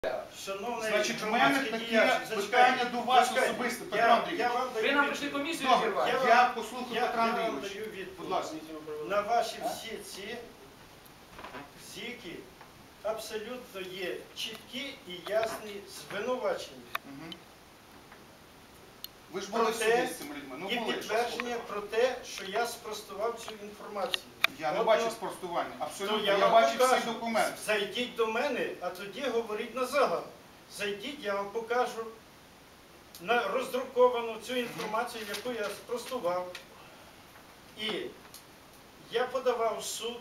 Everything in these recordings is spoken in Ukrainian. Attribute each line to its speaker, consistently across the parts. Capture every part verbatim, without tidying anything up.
Speaker 1: Шановний
Speaker 2: Значить, в мене таке питання до вас особисто, Петро Андрійович.
Speaker 1: Ви нам прийшли комісію зірвати?
Speaker 2: Добре, я послухаю
Speaker 1: Я
Speaker 2: Петра
Speaker 1: вам даю
Speaker 2: Андрійовича.
Speaker 1: відповідь.
Speaker 2: Будь ласка.
Speaker 1: На ваші всі ці зіки абсолютно є чіткі і ясні звинувачення.
Speaker 2: Мгм. Ви ж були в суді з цими людьми. Ну,
Speaker 1: І
Speaker 2: були, що
Speaker 1: підтвердження про те, що я спростував цю інформацію.
Speaker 2: Я не
Speaker 1: От,
Speaker 2: бачу
Speaker 1: ну,
Speaker 2: спростування.
Speaker 1: то
Speaker 2: Абсолютно.
Speaker 1: я
Speaker 2: Я
Speaker 1: вам
Speaker 2: бачив
Speaker 1: покажу.
Speaker 2: всі документи.
Speaker 1: Зайдіть до мене, а тоді говоріть на загал. Зайдіть, я вам покажу на роздруковану цю інформацію, яку я спростував. І я подавав в суд.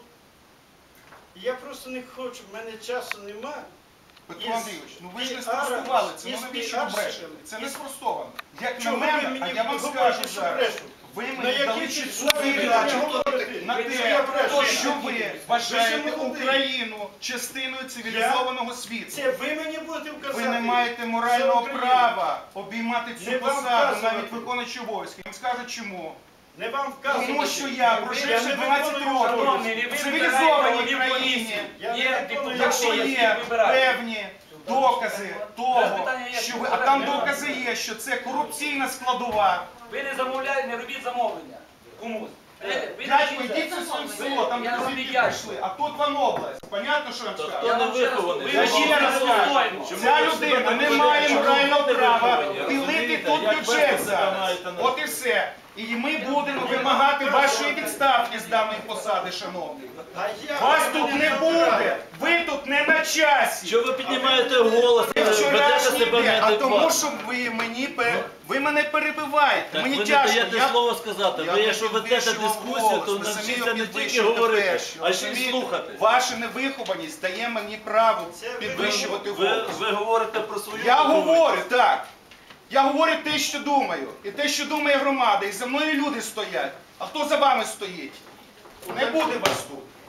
Speaker 1: І я просто не хочу, в мене часу нема.
Speaker 2: Петро
Speaker 1: Із-
Speaker 2: Андрійович, ну ви ж не
Speaker 1: із
Speaker 2: спростували це,
Speaker 1: із
Speaker 2: ну навіщо ви
Speaker 1: піарщиками,
Speaker 2: брешете? Це не
Speaker 1: із-
Speaker 2: спростовано. Як на
Speaker 1: Чого ви
Speaker 2: мене,
Speaker 1: мені
Speaker 2: а я вам
Speaker 1: говорите,
Speaker 2: скажу
Speaker 1: що
Speaker 2: зараз,
Speaker 1: брешу?
Speaker 2: ви
Speaker 1: На
Speaker 2: мені дали
Speaker 1: якій
Speaker 2: чітку
Speaker 1: підставі ви
Speaker 2: передачу
Speaker 1: мені говорите?
Speaker 2: на
Speaker 1: Ви
Speaker 2: те,
Speaker 1: я брешу.
Speaker 2: що ви вважаєте
Speaker 1: Ви молодий.
Speaker 2: Україну частиною цивілізованого світу.
Speaker 1: Це ви мені будете вказати.
Speaker 2: Ви не маєте морального
Speaker 1: За Україну.
Speaker 2: права обіймати
Speaker 1: Не
Speaker 2: цю
Speaker 1: вам
Speaker 2: посаду,
Speaker 1: вказувати.
Speaker 2: навіть виконуючи обов'язки. Я вам скажу чому.
Speaker 1: Не вам вказувати.
Speaker 2: Тому що я,
Speaker 1: Ви-
Speaker 2: проживши
Speaker 1: не
Speaker 2: дванадцять
Speaker 1: виконую
Speaker 2: років
Speaker 1: закони.
Speaker 2: в цивілізованій країні,
Speaker 1: Я не
Speaker 3: Є
Speaker 1: виконую
Speaker 3: депутати,
Speaker 2: якщо
Speaker 1: закони.
Speaker 2: є певні докази того,
Speaker 3: питання є,
Speaker 2: що
Speaker 3: що
Speaker 2: ви, а там
Speaker 3: немає.
Speaker 2: докази є, що це корупційна складова.
Speaker 3: Ви не замовляєте, не робіть замовлення комусь. Ви- ви
Speaker 2: Дядько,
Speaker 3: не
Speaker 2: йдіть в своє село, там
Speaker 3: Я вам
Speaker 2: звідки
Speaker 3: віддячний.
Speaker 2: прийшли, а тут вам область. Понятно, що я вам скажу?
Speaker 3: Я вам ще раз
Speaker 4: вихований?
Speaker 3: ви
Speaker 2: Я ще
Speaker 3: говорите
Speaker 2: раз кажу,
Speaker 3: достойно.
Speaker 2: ця людина не має морального права пилити тут
Speaker 4: Як
Speaker 2: бюджет
Speaker 4: ви
Speaker 2: зараз.
Speaker 4: маєте на-
Speaker 2: От і все. І ми будемо вимагати вашої відставки з даної посади, шановний.
Speaker 1: А я
Speaker 2: Вас
Speaker 1: мене
Speaker 2: тут не
Speaker 1: обираю.
Speaker 2: буде, ви тут не на часі.
Speaker 4: Що ви піднімаєте голос,
Speaker 2: Ви
Speaker 4: ведете
Speaker 2: вчорашній
Speaker 4: себе
Speaker 2: день, а тому,
Speaker 4: неадекватно?
Speaker 2: що ви мені пе- ви мене перебиваєте.
Speaker 4: Так
Speaker 2: Мені
Speaker 4: ви не
Speaker 2: тяжко.
Speaker 4: даєте
Speaker 2: Я-
Speaker 4: слово сказати.
Speaker 2: Я
Speaker 4: Ви
Speaker 2: не
Speaker 4: якщо ведете
Speaker 2: підвищував
Speaker 4: дискусію,
Speaker 2: голос,
Speaker 4: то
Speaker 2: ви самі
Speaker 4: навчіться
Speaker 2: його
Speaker 4: не тільки
Speaker 2: підвищуєте
Speaker 4: говорити,
Speaker 2: перші.
Speaker 4: а ще й
Speaker 2: Розумієте?
Speaker 4: слухати.
Speaker 2: Ваша невихованість дає мені право
Speaker 1: Це ви-
Speaker 2: підвищувати
Speaker 4: Ви,
Speaker 2: голос.
Speaker 4: ви говорите про свою
Speaker 2: Я
Speaker 4: думку.
Speaker 2: говорю, так. Я говорю те, що думаю. І те, що думає громада. І за мною люди стоять. А хто за вами стоїть? Не буде вас тут.